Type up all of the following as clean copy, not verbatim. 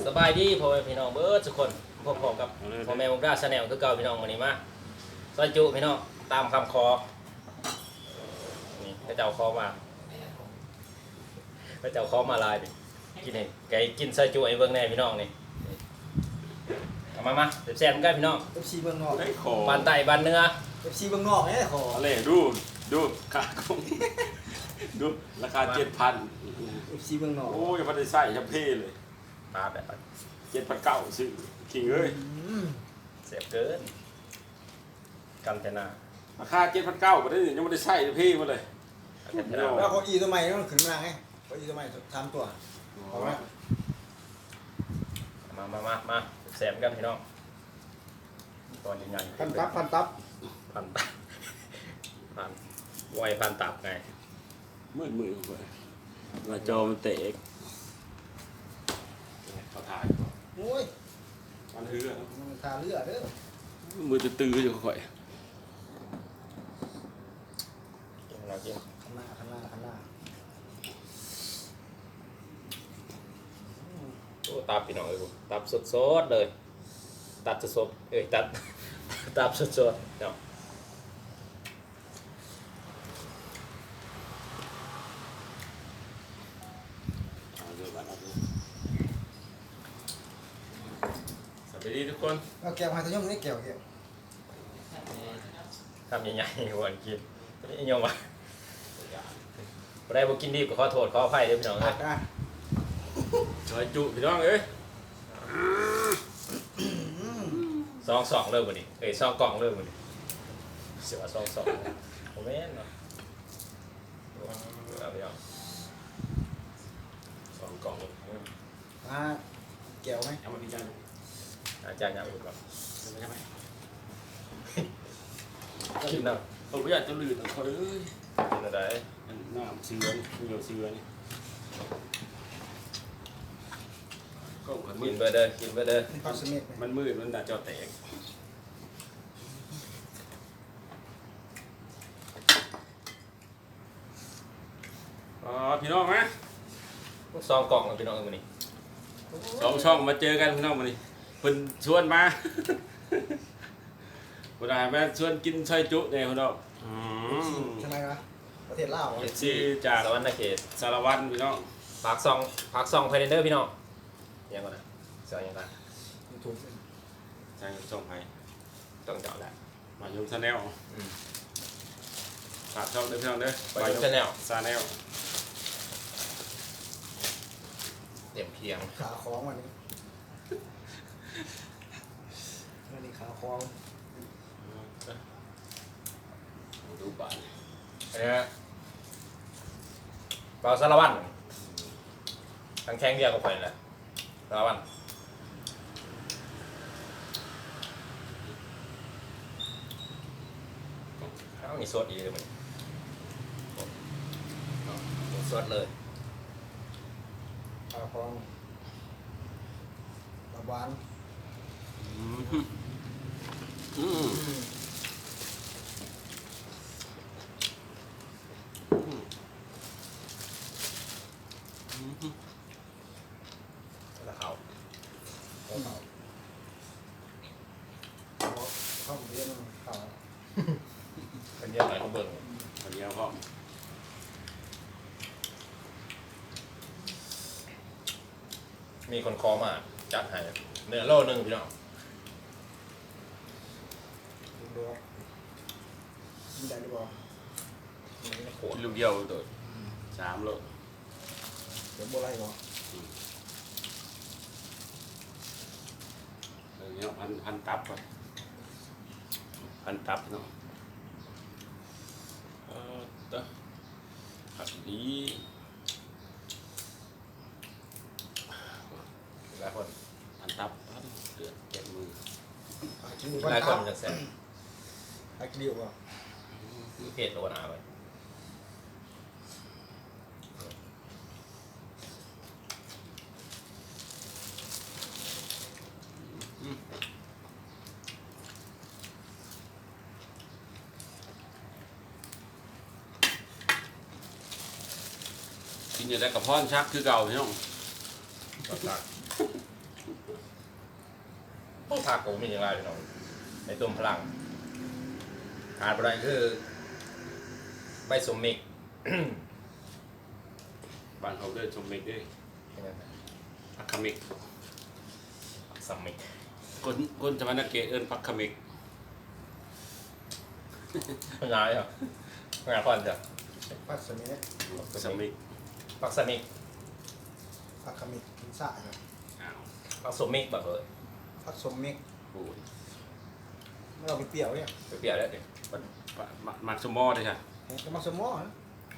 สบายดีพ่อแม่พี่น้องเบิร์ดทุกคนพบกับพ่อแม่วงราชแนลคือเก่าพี่น้องวันนี้มาซอยจุพี่น้องตามคำขอนี่พระเจ้าขอมาพระเจ้าขอมาลายดิกินเองไก่กินซอยจุไอ้เบิ้งแน่พี่น้องนี่เอามาแซ่บๆกันพี่น้อง FC เบื้องนอกได้ขอบ้านไต่บ้านเนื้อ FC เบื้องนอกเนี่ยขออะไรดูค่าของดูราคา 7,000 FC เบื้องนอกโอ้ยมันได้ใส่จะเพ่เลยปลาแบบ 7,900ซื้อขิงเอ้ยเสียบเกินกันเทนาราคา 7,900บ่ได้ยังไม่ได้ใส่จะเพ่มาเลยกันเทนาแล้วเขาอีตัวใหม่ต้องขึ้นมาไงเขาอีตัวใหม่3ตัวเอาละมาแซ่บกันพี่น้องตอนใหญ่ๆพันตับพันตับไวพันตับไงมืดไปมาจอมันเตะเขาถ่ายโอ้ยมันเฮือมันทาเลือดเด้อมือตื้ออยู่ค่อยกินเรากินข้างหน้าโอ้ตับพี่น้องเอ้ยตับสดๆเลยตับสดๆตับสดๆเนาะสวัสดีทุกคนเอาแก้วมาตะย่อมนี่แก้วทำใหญ่ๆวันกินนี่ยงวะบ่ได้บ่กินดีก็ขอโทษขออภัยเด้อพี่น้องอัเอ้ดยอ่ะซอยจุพี่น้องเอ้ยซองเริ่มบ่นี่ซองกล่องเริ่มบ่นี่เสียว่าซองบ่แม่นเนาะเอาพี่น้องซองกล่องมาแก้วไหมเอามาพิจารณาอาจารย์ยังอยู่ก่อนใช่ไหมกินน้เขาไม่อยากจะลื่นเขาเลยำกินอะไรน้ำเสือนี่เหนียวเสือนี่ก็มันมืกิดนไปเด้อกินไปเด้อนี่ปลาสเม็ดไหมมันมืดมันด่าจอแตกพี่น้องนะซองกล่องพี่น้องเอ้ยมื้อนี้สองช่องมาเจอกันพี่น้องมานี่เพิ่นชวนมาบ่ได้มาชวนกินซอยจุเนี่ยพี่น้องใช่ไหมวะประเทศลาวเอฟซีจากสวรรค์เขตสารวัตรพี่น้องปากซองไพเดอร์พี่น้องยังก่อนนะเสียยังก่อนถูกทางช่องไผต้องเจาะแหละมาชมชาแนลฝากช่องเด้อพี่น้องเด้อไปชาแนลชาแนลเต็มเพียงขาคล้องวันนี้ขาคล้องดูบ้านอันนี้เปล่าสารวัตรทั้งแข้งเดียวกับข่อยนั่นแหละสารวัตรเอามีสดอีกเลยมันสดเลยขาคล้องตะวันแล้วเขาเข้าเรียนเขาเป็นเยอะหน่อยเขาเบิ่งคนเดียวพ่อมีคนคอมาจัดให้เนื้อโลนึงพี่น้องดูกินได้หรือเปล่าโคตรลูกเดียวโดด3 โลเดี๋ยวโบราณเหรอเนาะพันตับไปพันตับเนาะผักดีหลายคนพันตับเดือดเจ็บมือกินดูหลายคนตับจะแซ่บไอ้กินดีกว่ามีเพจโลนาไว้กินอยู่ได้กับพ่อนชักคือเก่าพี่น้องตัดพวกผักผมมีอย่างไรพี่น้องในต้มพลังขาดอะไรคือใบสมมิกบ้านเขาด้วยชมเมกด้วยพักคามิกสมมิกคนสวรรค์เกตเอิ้นพักคามิกไม่ย้ายเหรอไม่ย้ายก่อนจ้ะพักสมิธสมิกผักสมิกพักขมิดกินสะครับอ้าวผักสมมิกแบบเออพักสมมิกปูดไม่เอาไปเปรี้ยวเนี่ยเปรี้ยวแล้วดิมักสมอด้วยใช่จะมาสมอนะ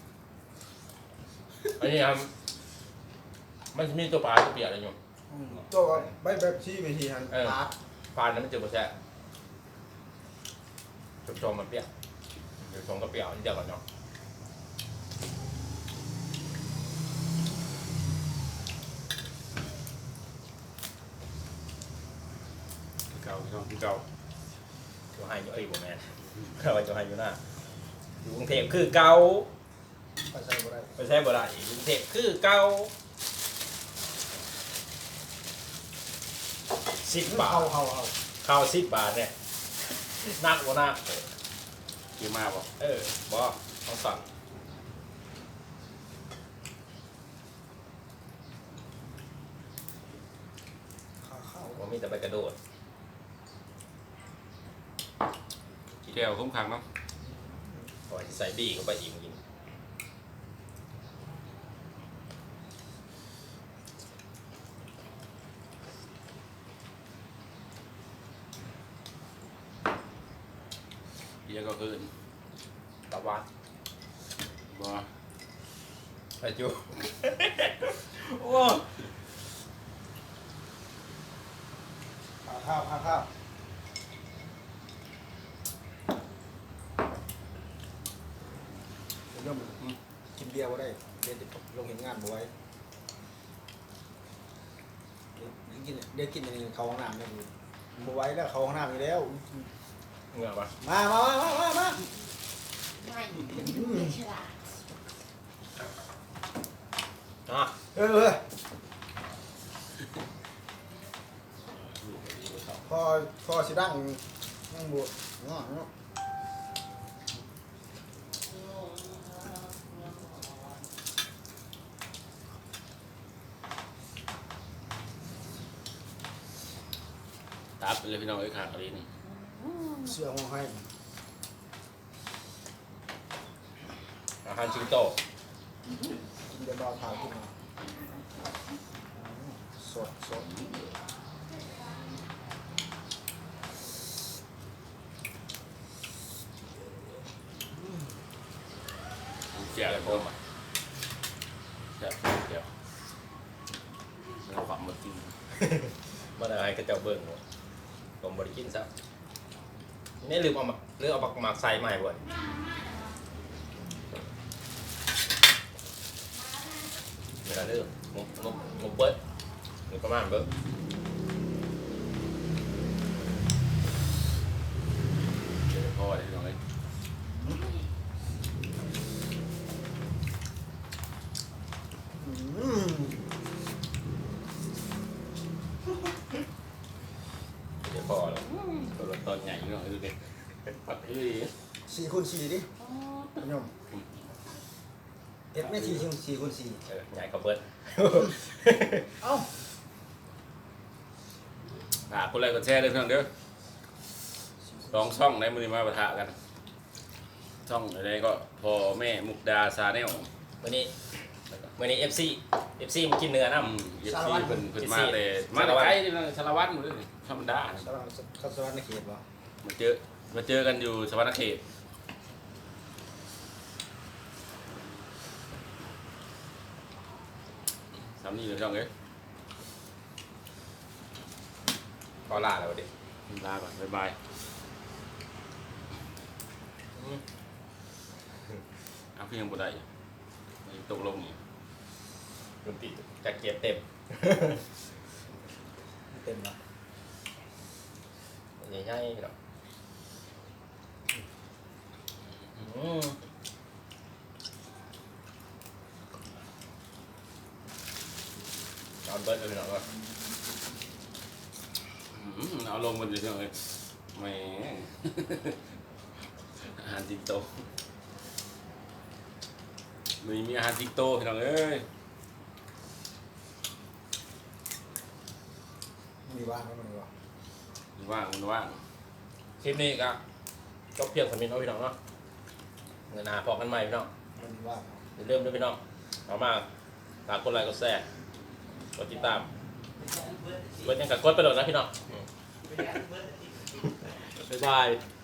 อันนี้ครับมันมีตัวปลาตัวเปรี้ยวอะไรอยู่ตัวใบแบบชี้ไปทีหันปาดปลานั้นมันจะมาแช่ชมมันเปรี้ยวเดี๋ยวชมก็เปรี้ยวนิดเดียวก่อนเนาะเก่าพี่น้องเก่าจะให้อยู่บ่แม่นเราจะให้อยู่หน้าอยู่กรุงเทพคือเก่าไปใส่บ่ได้ไม่ใช่บ่ได้กรุงเทพคือเก่า10 บาทเอาข้าว10 บาทเนี่ยนักบ่นักเกี่ยมากป่ะบ่ต้องสั่งข้าวบ่มีแต่ไปกระโดดเกี่ยวคุ้มขังเนาะก่อนสิใส่บี้เข้าไปอีกกินเกี่ยวก็คืนตะวันบ่ไปจู โอ้ข้าวเริ่มกินเบียร์บ่ได้เดี๋ยวจะลงเห็นงานบ่ไว้เดี๋ยวกินอันนี้เขาห้องน้ำเนี่ยบ่ไว้แล้วเขาห้องน้ำอยู่แล้วเหงื่อปะมาไม่ไม่ฉลาดอ่ะพอสิดังนั่งบวชเนาะตับไปเลยพี่น้องไอ้ขาอะไรนี่เสื้อห้องให้อาหารชิงโตกินเดี๋ยวรอทานขึ้นมาสดเกี่ยวอะไรพวกมันเกี่ยวเราความหมดจริงมาได้ให้กระเจ้าเบิ่งหมดผมบริกินซะนี่ลืมเอาปักหมากใส่ใหม่บ่อยเวลาเริ่มงบเบิดหรือประมาณเบิดเดี๋ยวพ่อได้พี่น้องเลยเดี๋ยวพอแล้วตัวรถตอนใหญ่พี่น้องดูดิปัดให้ดี 4 คูณ 4ดิยมเอ็ดไม่4 คูณ 4 ใหญ่ก็เบิดเอ้าคนแรกก็แชร์เลยพี่น้องเด้อลองช่องในมือมาปะทะกัน ช่องอะไรก็พ่อแม่มุกดาซาแนลวันนี้ FC มากินเนื้อน้ำเย็ดที่เป็นมาแต่ไกลนี่นะสารวัตรหมดเลยธรรมดาสวัสดิ์ในเขตบ่มาเจอกันอยู่สวรรณเขตสามนี่เลยพี่น้องเอ้ยก็ลาแล้วดิลาก่อนบ๊ายบายเอาเพียงบ่ได้ตกลงนี่ดนตรีจะเก็บเต็มเต็มละใหญ่ๆเนาะนอนเบิดเลยเนาะเอาลงมันจะยังไงแหมอาหารจิงโตมีอาหารจิงโตพี่น้องเอ้ยมีว่างไหมมันวะมันว่างคลิปนี้ก็จบเพียงสามีน้องพี่น้องเนาะเงินหาพอกันใหม่พี่น้องมันว่างอย่าลืมด้วยพี่น้องเอามาฝากกดไลค์กดแชร์กดติดตามกดยังกับกดไปโหลดนะพี่น้องบ๊ายบาย